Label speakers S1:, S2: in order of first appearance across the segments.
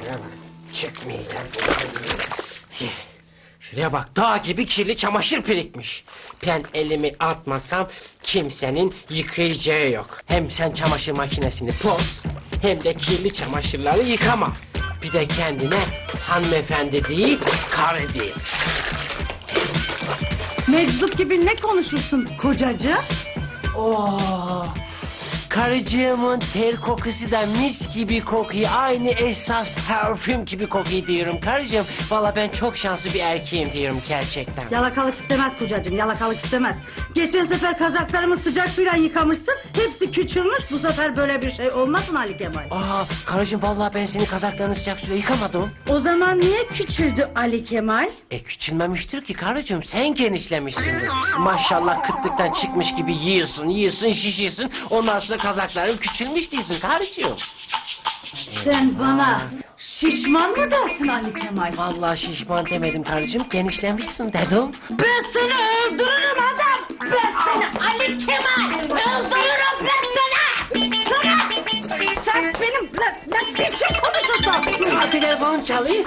S1: Şuraya bak. Çıkmayacak. Şuraya bak, dağ gibi kirli çamaşır birikmiş. Ben elimi atmasam kimsenin yıkayacağı yok. Hem sen çamaşır makinesini boz, hem de kirli çamaşırları yıkama. Bir de kendine hanımefendi değil, karı değil.
S2: Meczup gibi ne konuşursun kocacığım?
S1: Oo, karıcığımın ter kokusu da mis gibi kokuyor. Aynı esas parfüm gibi kokuyor diyorum karıcığım. Valla ben çok şanslı bir erkeğim diyorum gerçekten.
S2: Yalakalık istemez kocacığım, yalakalık istemez. Geçen sefer kazaklarımı sıcak suyla yıkamışsın. Hepsi küçülmüş. Bu sefer böyle bir şey olmaz mı Ali Kemal?
S1: Aa, karıcığım vallahi ben senin kazaklarını sıcak suyla yıkamadım.
S2: O zaman niye küçüldü Ali Kemal?
S1: Küçülmemiştir ki karıcığım, sen genişlemişsindir. Maşallah kıtlıktan çıkmış gibi yiyorsun, şişiyorsun. Ondan sonra kazakların küçülmüş değilsin karıcığım.
S2: Sen bana şişman mı dersin Ali Kemal?
S1: Vallahi şişman demedim karıcığım, genişlemişsin dedim.
S2: Ben seni öldürürüm adam. Ben seni Ali Kemal öldürürüm ben seni. Sen benimle ne biçim konuşuyorsun?
S1: Hadi telefonum çalayım.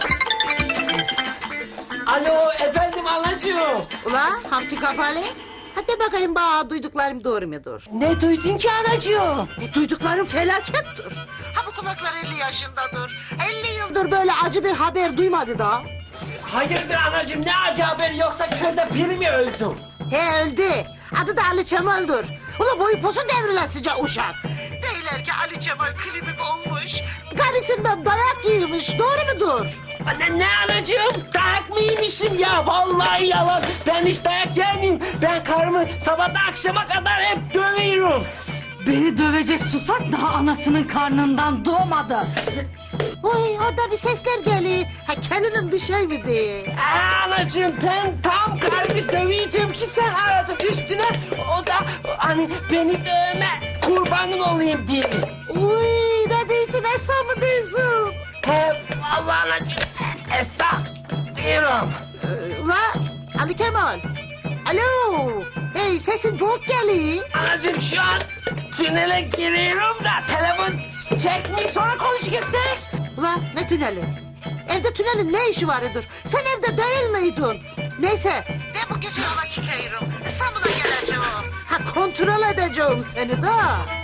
S1: Alo efendim anacığım.
S3: Ula hamsi kafalı. Hadi bakayım bana duyduklarım doğru mudur?
S1: Ne duydun ki anacığım?
S3: Bu duyduklarım felakettir. Ha bu kulaklar 50 yaşındadır. 50 yıldır böyle acı bir haber duymadı da.
S1: Hayırdır anacığım, ne acı haber, yoksa köyde biri mi öldü?
S3: He öldü. Adı da Ali Cemal'dir. Ula boyu posu devrilesice uşak. Deyler ki Ali Cemal klibik olmuş. Karısından dayak yiymiş. Doğru mudur?
S1: Ne anacığım, dayak mı yemişim ya? Vallahi yalan, ben hiç dayak yer miyim? Ben karımı sabahtan akşama kadar hep dövüyorum.
S2: Beni dövecek susak daha anasının karnından doğmadı.
S3: Oy orada bir sesler geliyor. Ha kendinin bir şey mi diye?
S1: Anacığım ben tam karımı dövüyordum ki sen aradın üstüne. O da hani beni dövme, kurbanın olayım diye.
S3: Uy ne diyorsun Esra mı diyorsun?
S1: Hep vallahi anacığım, Esra diyorum.
S3: Ula Ali Kemal. Alo. Hey sesin boğuk geliyor.
S1: Anacığım şu an tünele giriyorum da telefon çekmeyi, sonra konuşursak.
S3: Ula ne tüneli? Evde tünelin ne işi vardır? Sen evde değil miydin? Neyse ben bu gece yola çıkıyorum. İstanbul'a geleceğim. Ha kontrol edeceğim seni de.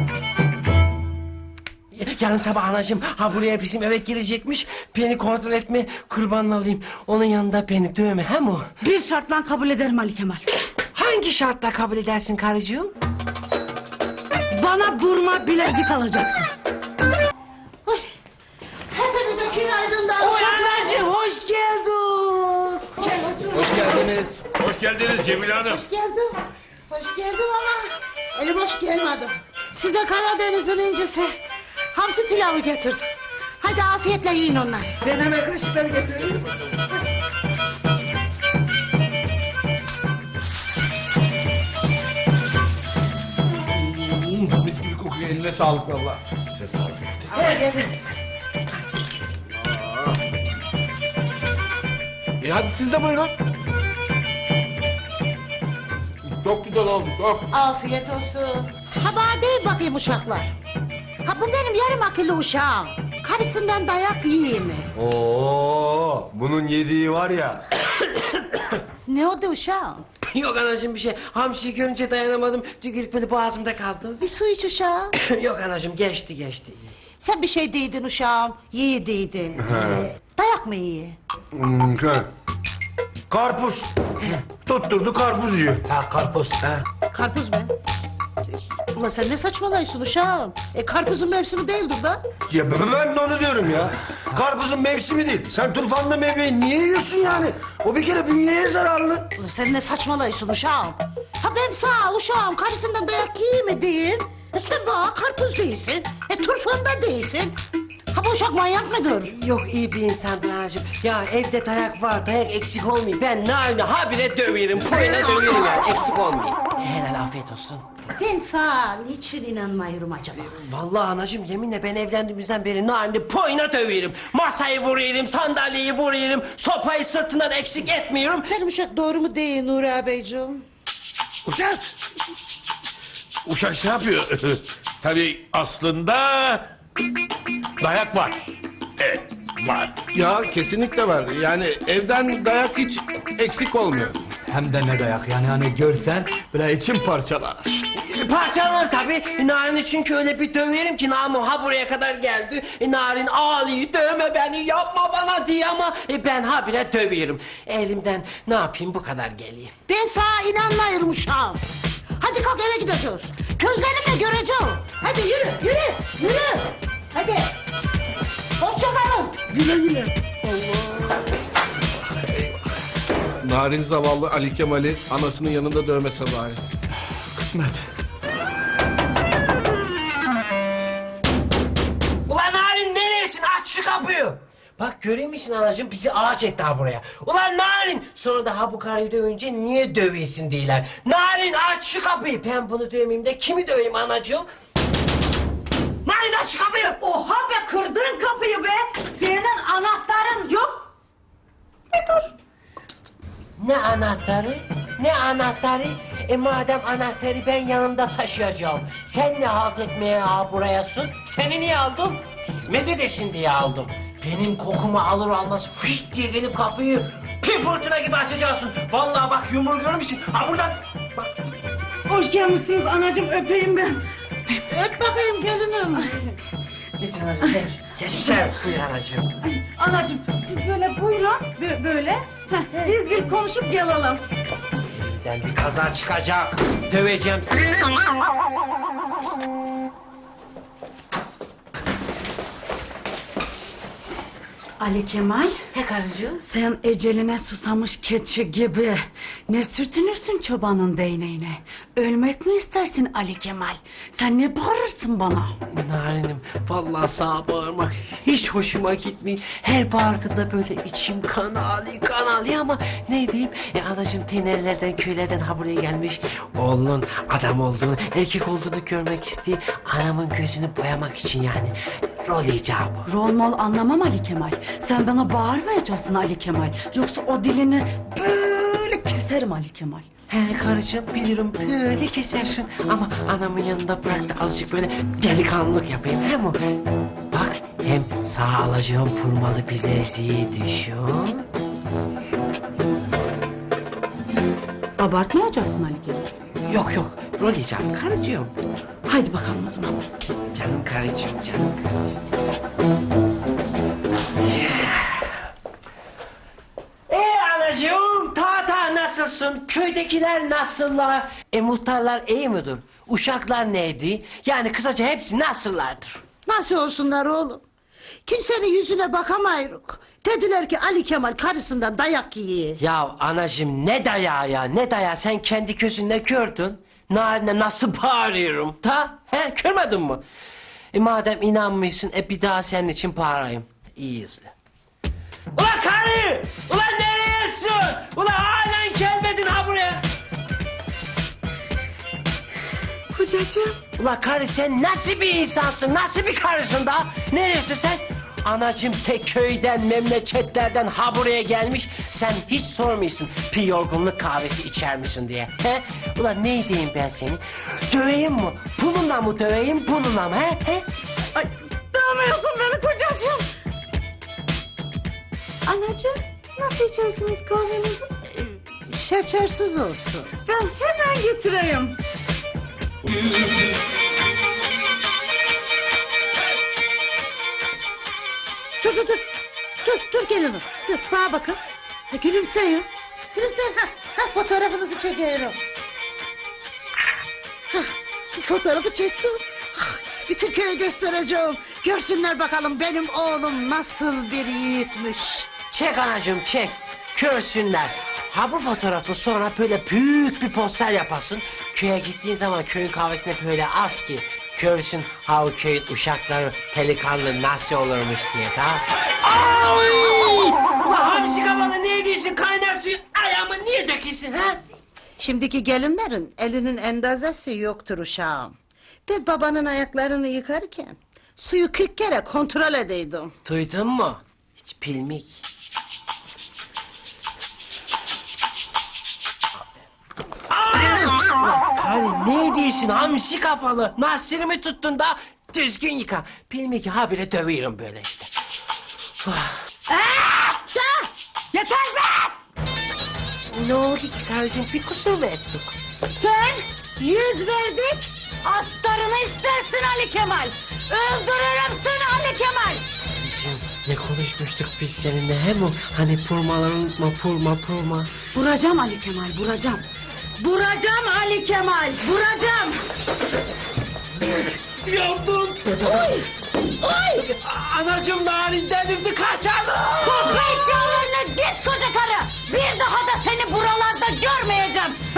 S1: Yarın sabah anacığım ha buraya bizim eve girecekmiş. Beni kontrol etme, kurbanını alayım. Onun yanında beni dövme hem o.
S2: Bir şartla kabul ederim Ali Kemal.
S1: Hangi şartla kabul edersin karıcığım?
S2: Bana burma bilezik alacaksın.
S3: Oy. Hepinize günaydın da.
S1: Oy anacığım hoş geldin. Gel otur.
S4: Hoş geldiniz.
S5: Hoş geldiniz Cemile Hanım.
S3: Hoş geldin. Hoş geldin ama elim hoş gelmedim. Size Karadeniz'in incisi hamsi pilavı getirdim. Hadi afiyetle yiyin onları.
S1: Ben hemen kaşıkları getireyim.
S4: Mis gibi kokuyor. Eline sağlık valla. Size sağlık. Hadi siz de buyurun. Çok güzel oldu. Çok.
S3: Afiyet olsun. Ha bana değil bakayım uşaklar. Ha bu benim yarım akıllı uşağım. Karısından dayak yiyeyim mi?
S6: Oo, bunun yediği var ya.
S3: Ne oldu uşağım?
S1: Yok anacığım bir şey. Hamsiyi görünce dayanamadım. Tükürük böyle boğazımda kaldı.
S3: Bir su iç uşağım.
S1: Yok anacığım geçti.
S3: Sen bir şey değildin uşağım. Yiğidiydin. Dayak mı iyi?
S6: Karpuz. Tutturdu karpuz yiyor.
S1: Ha karpuz.
S3: Karpuz mu? Ulan sen ne saçmalıyorsun uşağım? Karpuzun mevsimi değildir da.
S6: Ya ben de onu diyorum ya. Karpuzun mevsimi değil. Sen turfanlı meyveyi niye yiyorsun yani? O bir kere bünyeye zararlı.
S3: Ulan sen ne saçmalıyorsun uşağım? Ha ben sana uşağım karısından dayak yiyeyim mi diyeyim? Sen bana karpuz değilsin. Turfan da değilsin. Ha bu uşak manyak mıdır?
S1: Yok iyi bir insandır anacığım. Ya evde dayak var, dayak eksik olmuyor. Ben naline habire döverim, boyuna döverim yani eksik olmuyor. Helal afiyet olsun.
S3: Ben sana niçin inanmıyorum acaba?
S1: Vallahi anacığım yeminle ben evlendiğimizden beri naline boyuna döverim. Masayı vuruyorum, sandalyeyi vuruyorum, sopayı sırtından eksik etmiyorum.
S3: Benim uşak doğru mu değil Nuri ağabeyciğim?
S5: Uşak. Uşak ne yapıyor? Tabii aslında dayak var. Evet. Var.
S4: Ya kesinlikle var. Yani evden dayak hiç eksik olmuyor.
S7: Hem de ne dayak yani hani görsen böyle içim parçalar.
S1: Parçalanır tabii. Narin'i çünkü öyle bir döverim ki namım ha buraya kadar geldi. Narin ağlıyor, dövme beni, yapma bana diye ama ben habire dövüyorum. Elimden ne yapayım bu kadar geleyim.
S3: Ben sana inanmıyorum uşağım. Hadi kalk eve gideceğiz. Gözlerimle göreceğim. Hadi yürü. Hadi. Hoşça kalın.
S4: Narin zavallı Ali Kemal'i anasının yanında dövmese bari.
S7: Kısmet.
S1: Ulan Narin neresin? Aç şu kapıyı. Bak görüyor musun anacığım bizi ağaç etti ha buraya. Ulan Narin sonra da ha bu karıyı dövünce niye dövüyorsun diyorlar. Narin aç şu kapıyı. Ben bunu dövmeyeyim de kimi döveyim anacığım? Narin aç şu kapıyı.
S2: Oha be kırdın kapıyı be. Senin anahtarın yok. Bir dur.
S1: Ne anahtarı? Ne anahtarı? Madem anahtarı ben yanımda taşıyacağım. Sen ne halt etmeye ha burayasın? Seni niye aldım? Hizmet edesin diye aldım. Benim kokumu alır almaz fışt diye gelip kapıyı bir fırtına gibi açacaksın. Vallahi bak yumruğu görür müsün? Ha buradan. Bak.
S2: Hoş gelmişsiniz anacığım öpeyim ben.
S3: Öt bakayım gelinim.
S1: Geç anacığım geç. Geçer buyur anacığım.
S2: Anacığım siz böyle buyurun böyle. Heh, biz bir konuşup gelelim.
S1: Ben bir kaza çıkacak. Döveceğim.
S2: Ali Kemal,
S1: He karıcığım.
S2: sen eceline susamış keçi gibi ne sürtünürsün çobanın değneğine? Ölmek mi istersin Ali Kemal? Sen ne bağırırsın bana?
S1: Narinim vallahi sağa bağırmak hiç hoşuma gitmiyor. Her bağırdığımda böyle içim kan ağlıyor ama ne diyeyim? Anacığım tenerlerden köylerden ha buraya gelmiş. Oğlunun adam olduğunu erkek olduğunu görmek istiyor. Anamın gözünü boyamak için yani. Rol icabı.
S2: Rol mol anlamam Ali Kemal. Sen bana bağırmayacaksın Ali Kemal. Yoksa o dilini böyle keserim Ali Kemal.
S1: He karıcığım bilirim böyle kesersin ama anamın yanında bırak da azıcık böyle delikanlılık yapayım he mi? Bak hem sağ alacağım purmalı bileziği düşün.
S2: Abartmayacaksın Ali Kemal.
S1: Yok rol icabı karıcığım.
S2: Haydi bakalım o zaman.
S1: Canım karıcığım canım karıcığım. Anacığım ta nasılsın? Köydekiler nasıllar? Muhtarlar iyi midir? Uşaklar neydi? Yani kısaca hepsi nasıllardır?
S3: Nasıl olsunlar oğlum? Kimsenin yüzüne bakamayırız. Dediler ki Ali Kemal karısından dayak yiyor.
S1: Ya anacığım ne dayağı ya ne dayağı sen kendi gözünle gördün. Narine nasıl bağırıyorum he görmedin mi? Madem inanmıyorsun bir daha senin için bağırayım. İyi izle. Ulan karı! Ulan nereyesin? Ulan halen gelmedin ha buraya.
S2: Kocacığım.
S1: Ulan karı sen nasıl bir insansın? Nasıl bir karısın da? Neresin sen? Anacığım tek köyden, memleketlerden ha buraya gelmiş. Sen hiç sormuyorsun bir yorgunluk kahvesi içer misin diye. He? Ulan ne diyeyim ben seni? Döveyim mi? Bununla mı döveyim, bununla mı? He? Ay,
S2: Dövmüyorsun beni kocacığım. Anacığım nasıl içersiniz kahvenizi?
S3: Şekersiz olsun.
S2: Ben hemen getireyim.
S3: Dur gelinim. Dur bana bakın. Gülümseyin. Gülümseyin. Fotoğrafınızı çekiyorum. Fotoğrafı çektim. Bütün köye göstereceğim. Görsünler bakalım benim oğlum nasıl bir yiğitmiş.
S1: çek anacığım çek. Görsünler. Ha bu fotoğrafı sonra böyle büyük bir poster yapasın. Köye gittiğin zaman köyün kahvesine böyle az ki görsün ha o köyün uşakları delikanlı nasıl olurmuş diye tamam. Ay! Ulan hamsi kafalı ne ediyorsun kaynar suyu ayağıma niye döküyorsun ha?
S3: Şimdiki gelinlerin elinin endazesi yoktur uşağım. Ben babanın ayaklarını yıkarken suyu 40 kere kontrol edeydim.
S1: Duydun mu? Hiç pilmik. Ulan karı ne diyorsun hamsi kafalı? Nasırımı tuttun da düzgün yıka. Pilmik habire dövüyorum böyle işte.
S2: Yeter be!
S1: Ne oldu ki karıcığım, bir kusur mu ettik?
S2: Sen 100 verdik, astarını istersin Ali Kemal. Öldürürüm seni Ali Kemal.
S1: Karıcığım, ne konuşmuştuk biz seninle, hem o hani purmaları unutma, purma.
S2: Vuracağım Ali Kemal, vuracağım. Vuracağım Ali Kemal, vuracağım.
S1: Yandım.
S2: Oy!
S1: Anacığım narin delirdi, kaçalım.
S2: Topla eşyalarını git koca karı. Bir daha da seni buralarda görmeyeceğim.